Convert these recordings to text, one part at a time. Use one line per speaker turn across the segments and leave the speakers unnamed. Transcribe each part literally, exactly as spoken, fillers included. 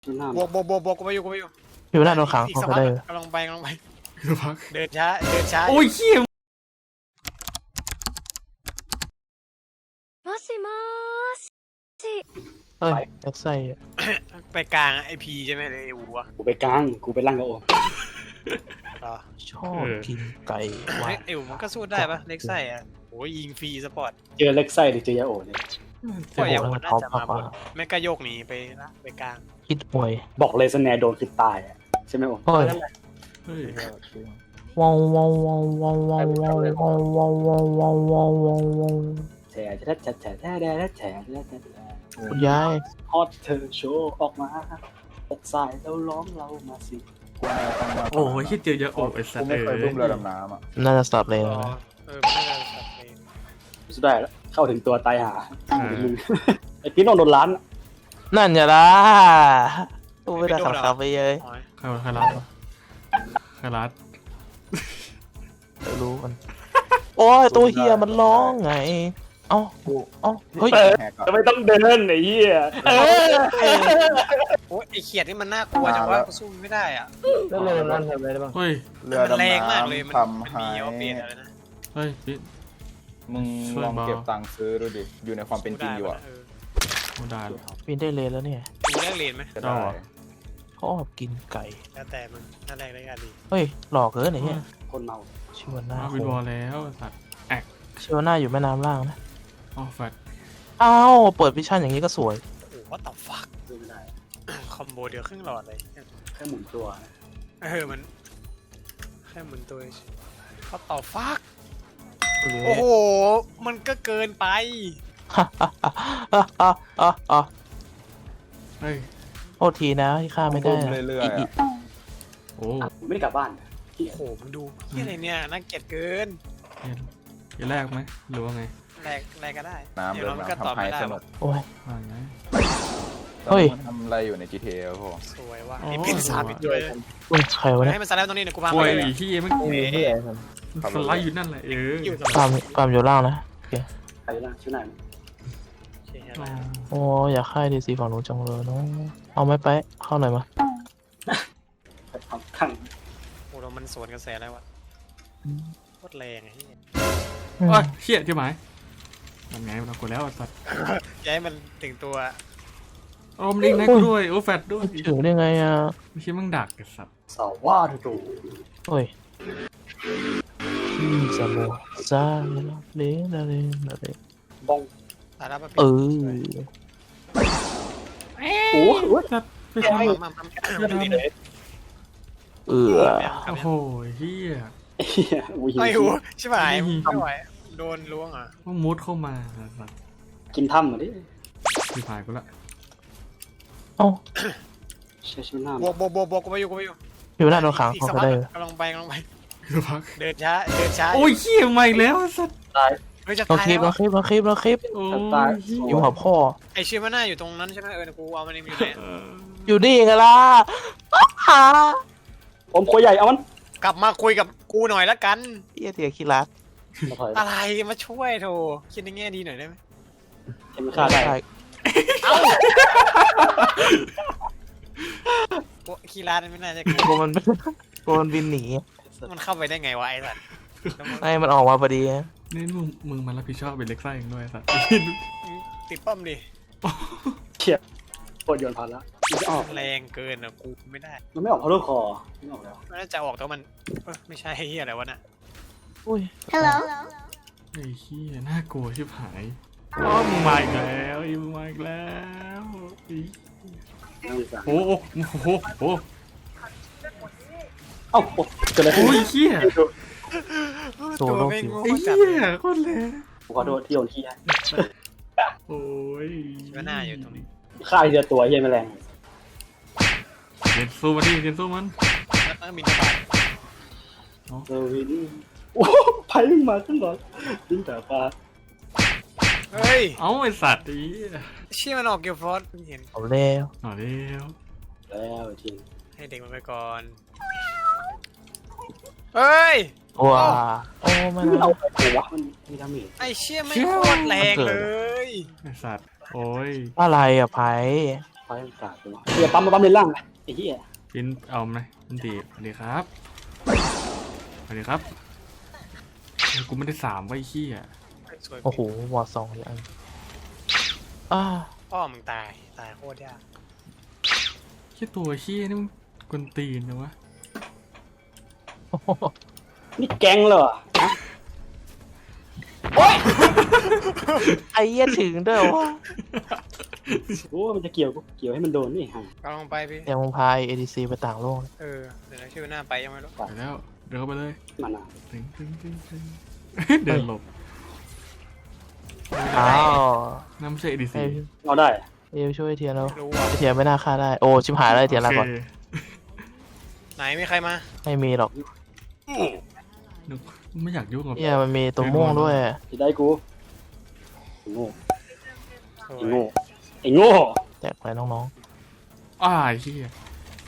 บวกบวกบวกบวกกูไปอยู่กูไปอยู่
อยู่หน้าโดนขัง
อีก
เขา
สัก
ก็
พัก
ได้
กำลังไปกำลังไป
พัก
เดินช้าเดินช้า
โอ้ยเขี้ยม
もしもーし。
เอ้ยแอ็กไซอะ
ไปกลางไอพีใช่ไหมเลยไอ้วัว
กูไปกลางกูไปล่างกับโอ
เหรอ
ชอบกินไก่หวา
เฮ้ย
น
ไอ้วัวมันก็สู้ได้ปะเล็กไส้อะโอ้ยยิงฟรีสปอร์ต
เจอเล็กไส้หรือเจอยาโอเนี่ย
ก็อย่างวัวน่าจะมาบนแม่ก็โยกหนีไปละไปกลาง
คิดมวย
บอกเลยสแนร์โดนคือตายอะใช่ไหมโอ
โอ้ย
เฮ้ย
ว้าวว้าวว้าวว้าวว้าวว้าวว้าวว้าวว้าวว้าวว้าวว้าวว้าว
แฉะแฉะแฉะแฉะแฉะแฉะแฉะแฉะแฉะแฉะ
คุณยาย
ฮอตเธอโชว์ออกมาตกสายแล้วร้องเรามาสิ
โอ้ยคิดเจอเยอะโอ้ไอ้สัต
กู
ว์
ไม่เคย
เอ้
บึ้มเรือดำน้ำอ่ะ
น่าจะสับเลย
อ๋อ
นะ
เออไม่ได้สับเลย
สุดได้แล้วเข้าถึงตัวตายหาไอ้พี่น้องโดนล้าน
นั่นอย่าละตัวไม่ได้ขับขับไปเลย
อ๋อ
ใครใครรัดวะใครรัด
เดี๋ยวรู้กันโอ้ยตัวเฮียมันร้องไงเอ้าเอ้าเฮ้ย
แหกก่อน
จะไม่ต้องเดินไอ้เหี้ย
โอ้ยไอเขียดนี่มันน่ากลัวจังว่ากูสู้มันไม่ได้อ่ะ
แล้วเลยนั่นทำอะไรได้บ้าง
เฮ้ย
เรือ
มัน
ดำ
แรงมากเลยมัน
น้ำ
มัน
ทำ
มี
ให้
เอาเปลี่ยนอะไรนะ
เฮ้ยพี่
มึง
ช่วย
ลอง
เบา
เก็บตังค์ซื้อดูดิ อยู่ในความเป็นจริงอยู่อ่ะ
เออ
โอ้ได้เลย
ปีนได้เลยแล้วเนี่ย
กูแลกเหรียญไหม
จะ
เอา
ได้
เหรอ
เขาออกกินไก่
แล้วแต่มึงถ้าแลกได้ก็ดี
เฮ้ยหลอกเกินไอ้เหี้ย
คนเมา
ชิวาน่า
มาวินบอลแล้วไอ้สัตว์
ชิวาน่าอยู่แม่น้ำล่างนะ
อ๋อแฟด
อ้าวเปิดวิชั่นอย่างนี้ก็สวย
โอ้โหว่าต่อฟัก
ซื้อไม่ได้
คอมโบเดียวครึ่งหลอดเลย
แค่หมุนตัวนะ
เออมันแค่หมุนตัวเขาต่อฟัก
โอ้
โอ้
โห
โหมันก็เกินไป
เฮ้ย
โทษทีนะที่ฆ่าไม่ได้
บึ้ม
นะ
เรื่อยๆอะ
โอ้
กูไม่ได้กลับบ้าน
โอ้โหมึงดูที่อะไรเนี่ยน่าเกลียดเกิน
เห็นจะแรกไหมหรือว่าไง
แลกแลกก็ได้
น้ำ
เดี๋ย
เรื
ว
อ
เรามันก็
ดำ
ตอบ
ทำให้
ไม่ได้
สนุ
ว่ะ
ก
โอ้ย
ว่าไง
เฮ้ย
ต้องทำอะไรอยู่ใน จี ที เอ พ่อ
สวยว่ะ
อ๋อ
ไอ้ปินสามอีกด้วย
อุ้ยใครวะเนี่ย
ให้มันสไลด์ตรงนี้เดี๋ยวกูพา
ป่
ไป
วย
เลย
ที่มัน
เอ๊ะ
สไลด์อยู่นั่นแหละเออ
อยู่ตรง
ฟาร์มฟาร์มอยู่ล่างนะ
ใครนะชื่อไหน
อ๋อ
โอ้อยากฆ่าดีซีฝั่งนู้นจังเลยเนาะเอาไหม่ไปะเข้าหน่อยมา
ไปทำข้าง
โอ้เรามันสวนกระแสแล้ววะโคตรแรงไอ้เหี้ย
อืม
โอ้ยเชี่ยใช่ไหมทำไงมันเอากูแล้วไอ้สัตว์
อย่าให้มันถึงตัว
โอ้มันเองนะกูด้วยโอ้แฟดด้วย
ถึงได้ไงอ่ะ
ไม่ใช่มึงดักไอ้สัตว์
สาวว่าถูก
โอ้ยพี่สมอซาเลนเลนเลน
บ้อง
ตาลับมา
เอ
ปิด
อ
โอ้โห
สัตว์ไม่
มา
ใช่
มามามามา
เออ
โอ้โหเฮีย
เฮียอุ้ย
ไอ้หูใช่ไหมไม่ไหวโดนล้วงอ่ะ
ว่ามุดเข้ามาไอ้สัตว์
กินถ้ำเหรอดิ
พี่พายกูละ
เอ้า
ใช้ชีวิตหน้า
บวกบวกบวกบวกกูไปอยู่กูไปอยู่
อยู่หน้าโดนขัง
อีก
เขา
สัก
ก็
พัก
ได้
กำลังไปกำลังไป
คือพัก
เดินช้าเดินช้า
โอ้ยเขี้ยมาอีกแล้วไอ้สัตว์
ตาย
เฮ้ยจะ
เรา
ตาย
คลิป
แล้
เรา
ว
คลิปเราคลิปเราคลิป
โอ้
ตาย
ยเหี้ย
อยู่หัวพ่อ
ไอเชื่อมันหน้าอยู่ตรงนั้นใช่ไหมเออกูเอามันอยู่ไหน
เออ
อยู่นี่ไงล่ะหา
ผมโคใหญ่เอามัน
กลับมาคุยกับกูหน่อยละกัน
เฮียเทียคิรัส
มาถอย
อะไรมาช่วยโถคิดในแง่ดีหน่อยได้ไหม
เห็นมันฆ่าได้
เอ้าโอ้คีราไม่น่าจะ
โกมันโกมันบินหนี
มันเข้าไปได้ไงวะไอ้สัตว์แล้วมัน
ไอ้มันออกมาพอดี
นี่มึงมึงมารับผิดชอบเป็นเล็กไส้เองด้วยไอ้สัตว์
ติดป้อมดิ
โคตรโยนพันแล้วมันจะออก
แรงเกินอ่ะกูไม่ได้
มันไม่ออกเพราะลูกคอไม่ออกแล้ว
มันน่าจะออกแต่ว่ามันเอ้ยไม่ใช่เฮียอะไรวะน่ะ
อุ้ย
Hello
ไอ้เขี้ยน่ากลัวชิบหายอ๋อมึงมาอีกแล้วอีมึงมาอีกแล้วอี
นั่งดีกว่า
โอ้โหโอ้โหโอ้โห
เอ้าโอ้เกิดอะไรขึ้น
โอ้ยเขี้ย
ตัวไม่งง
ไอ้
จัด
เขี้
เลย ย
โคตรเลย
ผมขอโทษที่โยนขี้ให้
โอ้ย
คิดว่าหน้าอยู่ตรงนี้
ฆ่าทีละตัวเฮียแมลง
เรียนสู้มันดิเรียนสู้มัน
แล้วต้องบินกระบาด
เซอร์วินโอ้ไพ่วิ่งมาขึ้นก่อนวิ่งแต่ฟ้า
เฮ้ย
เอ้าไอสัตว์อี
เชี่ยมันออกเกียวฟอสเห็น
เอาแล้ว
หน่อยเดียว
แล้วจริง
ให้เด็กมันไปก่อนเฮ้ย
ว้าโอ้มัน
มันเอาไปโอ้วะมันมีดาเมจ
ไอเชี่ยไม่โคตรแรงเลย
ไอสัตว์โอ้ย
อะไรอ่ะไผ่
พไฟมันกาดไปวะเฮียปั๊มมาปั๊มเลนล่างไปไอ้เหี้ย
ปินเอาไหมอันตีสวัสดีครับสวัสดีครับกูไม่ได้สามไว้เหี้ย
สวย
โอ้โหวอร์สองอย่างอ้า
พ่อมึงตายตายโคตรยาก
แค่ตัวเหี้ยนี่มึงกวนตีนนะวะ
โอ้โห
นี่แก๊งเหรอ
ไอ้เหี้ยถึงด้วยวะ
โอ้มันจะเกี่ยวเกี่ยวให้มันโดนนี่ฮะ
ก็ลองไปพี่
ยังมึงพาย เอ ดี ซี ไปต่างโลก
เออเดี๋ยวนะชื่อหน้าไปยังไม่รู้
ไปแล้วเดินเข้าไปเลย
มันอ่ะ
ตึงตึงตึงตึงเดินหลบ
อ้าว
น้ำไม่ใช่เอดี
ไอ้
ซี
เอาได้
เอวช่วยไอ้เทียนแล้ว
ไม่รู้ว่ะ
ไอเทียนไม่น่าฆ่าได้โอ้ชิบหายแล้วไอเทียนลาก่อน
ไหนมีใครมา
ไม่มีหรอก
นึกไม่อยากยุ่งกับ
เนี่ยมันมีตัวม่วงด้วย
ที่ได้กูไอ้โง่
โอ้
ไอ้
ย
โง่ไอ้โง่
แจกไปน้อง
อ้าวไอ้เหี้ย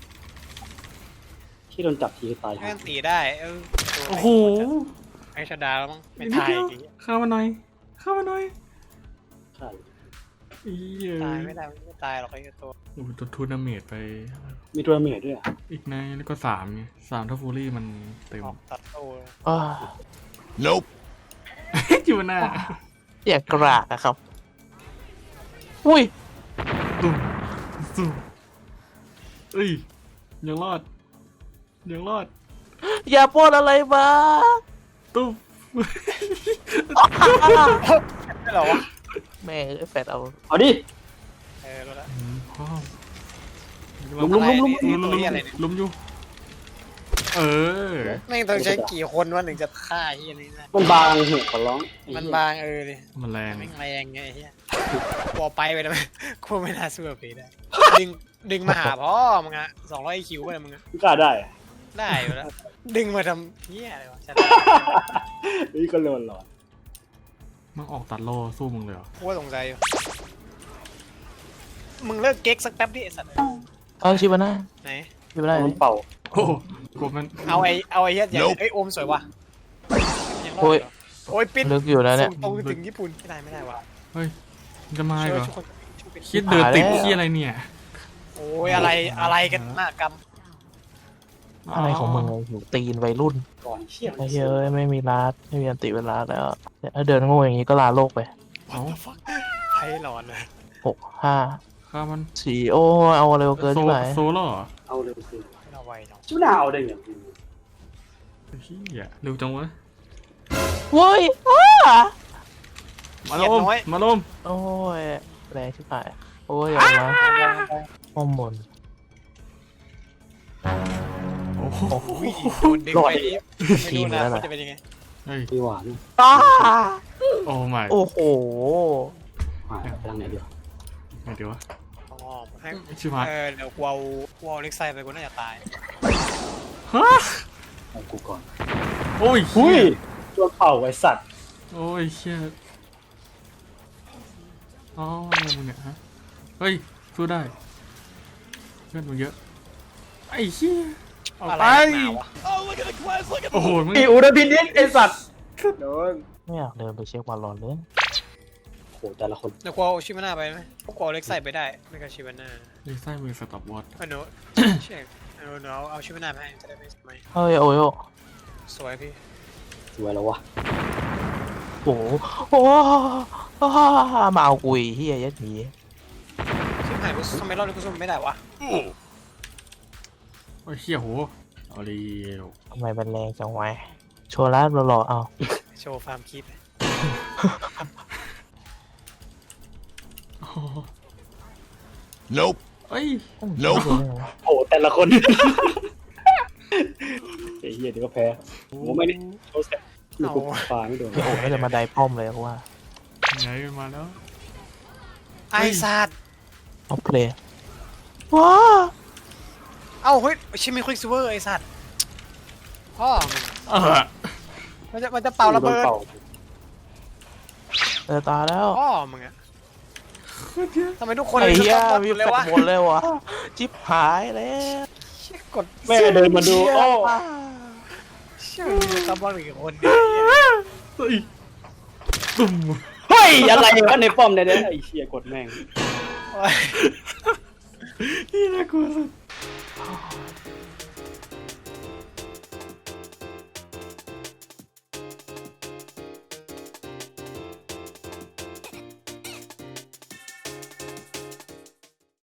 ที่โดนจับทีตาย
แม่
ฮะ
งตีได้เออ
โอ้โห
ไอ้ชดาแล้วมั้งไม่
นิด
ตาย
เดียว
จริง
เข้ามาหน่อยเข้ามาหน่อย
ใช่
ไอ้เหี้ย
ตายไม่ได้ไม่ตายหรอกไอ้ตัว
โอ้โหตัวทูนาเมดไป
มีตัวเมียด้วยอะ
อีกในแล้วก็สามไงสามถ้าฟูรี่มันเต็ม
ออกตัดโต้
ๆอ้า
จิวน่า
เสียกรากอะครับ อุ้ย
ตุ้มตุ้มเอ้ยยังรอดยังรอด
อย่าปล้นอะไรมา
ตุ้ม
ไม่หรอวะ
แม่งไอ้แฟดเอา
เอาดิ
เออรู้แล้ว
อืมพ่อ
ลุมลุมลุมลุม
ลุม
ตั
ลุ
ว
ม
นี้อะไรเนี่ย
ลุมอยู่เออ
แม่งต้องใช้กี่คนวะถึงจะฆ่าไอ้เหี้ยนี่ได้
มันบางเหอะขอร้องไอ้
มัน
เหี้ย
บางเออเลย
มันแรง
แม่งแรงไงไอ้เหี้ยกลัวไปไปทำไมกูไม่น่าสู้กับผีได้ดึงดึงมาหาพ่อมึงอะสองร้อยคิวไปเลยมึงอะ
มึงกล้าได้อะ
ได้อยู่แล้วดึงมาทำเหี้ยอะไรวะชนะ
นี่ก็โดนหลอด
มันออกตัดโลสู้มึงเลยเหรอ
กูก็สงสัยอยู่มึงเลิกเก๊กสักแป๊บดิไอ้สัตว์
เอาชิบาน่า
ไหน
ชิบาน่า
มันเป่า
โอ้โหกลัวมัน
เอาไอ้เอาไอ้เหี้ยอย่างไอ้ยโอมสวยว่ะยังรอด
โอ้ย
เหรอโอ้ยปิด
ลึกอยู่แล้วเนี่ย
ส่งตรงถึงญี่ปุ่นไม่ได้ไม่ได้ว่ะ
เฮ้ยมันจะมาอีก
ช่วย
เหรอ
ช่วยคนช่วยปิด
คิดเดินติด
หาแล้ว
ที่อะไรเนี่ย
โอ้ยอะไรอะไรกันหน้ากรรม
อะไรของมึงไอ้หิวตีนวัยรุ่น
ก่อนเชี่ย
ไอ้เหี้ยเอ้ยไม่มีลาดไม่มีอันติเวลาแล้วถ้าเดินโง่อย่างนี้ก็ลาโลกไป
เอ้า
ไพ่หลอนเลย
หกห้า
ข้ามัน
สี่โอ้เอาเร็วเกิน
โซ
ที่ไหน
โซโล่เหรอ
เอาเร็วสิ
ไม่เอาไวเนาะ
ชิบหน้าเอาได้ไง
เฮียเร็วจังวะ
เว้ยอ้า
มาลมมาลม
โอ้ยแรงชิบหายโอ้ยอย่ามาอ้อมบน
โอ้โห
อุ้ยโดนดึงไปนี่ไม่รู้นะว่าจะเป็นยังไง
เฮ้ย
มีหวาน
อ้า
โอ้ไม่
โอ้โห
หวานพลังไหนเดียว
ไงเดี๋ยววะ
อ๋อให้
ชิบหาย
เออเดี๋ยวกูเอากูเอาเล็กไซไปกูน่าจะตาย
ฮะ
เอากูก่อน
โอ้ย
หุ้
เฮี
ย
ย
ตัวเป่าไอ้สัตว์
โอ้ยเฮียอ๋ออะไรมึงเนี่ยฮะเฮ้ยสู้ได้เพื่อนมึงเยอะไอ้เฮียออก
อะไร
ไป
หนาวะ
โอ้โหมึง
ไอ้อูดพินิษไอ้สัตว์โดน
ไม่อยากเดินไปเช็ควันร้อนเลย
โหแต่ละคน
เดี๋ยวกูเอาชิบาน่าไปไหมกูเอาเล็กไซไปได้ไม่ก็ชิบาน่า
ไอ้ไส้มือสต็อปวอต
เออหนูเช็คเออหนูเอาเอาชิบาน่าไปให้จะได้ไม่ไม่
เฮ้ยโอ้ยโอ้
สวยพี่
สวยแล้ววะ
โหโอ้โหมาเอากุยเฮียยัดหมี
ชิบหายกูทำไมรอบนี้กูสู้ไม่ได้วะ
โอ้ยเฮียโหเอาเร็ว
ทำไมมันแรงจังวะโชว์ร้านหล่อๆเอา
โชว์ฟาร์มคีป
โอ้โหเอ้ย
โน้ต
โอ้แต่ละคนไอ้เหี้ยเดี๋ยวก็แพ้โอ้ไม่ได้โชว์แสบไม่กูปาไม่โดน
โอ้โหไม่จะมาได้ป้อมเลยเพราะว่า
ไงมาแล้ว
ไอสัตว์
เอาเพลย์ว้า
เอ้าเฮ้ยชิมิควิกซิเวอร์ไอสัตว์พ่อมึง
เออ
มันจะมันจะเป่าระเบิด
เจอตาแล้ว
พ่อมึงอะทำไมทุกคน
ไอ้เหี้ย
ชอบ
มี
หมด
แฟ
เลยวะ
ดหมดเลยวะจิ๊บหายแล้ว
เชี่ยกด
แม่เดินมาดูโอ้
เชี่ยมีซับบอลอีกคนเดียว
เฮ้ยตุ่ม
เฮ้ยอะไรวะในป้อมเนี่ยไอ้เชี่ยกดแม่ง
โอ้ย
ที่น่ากลัวสุด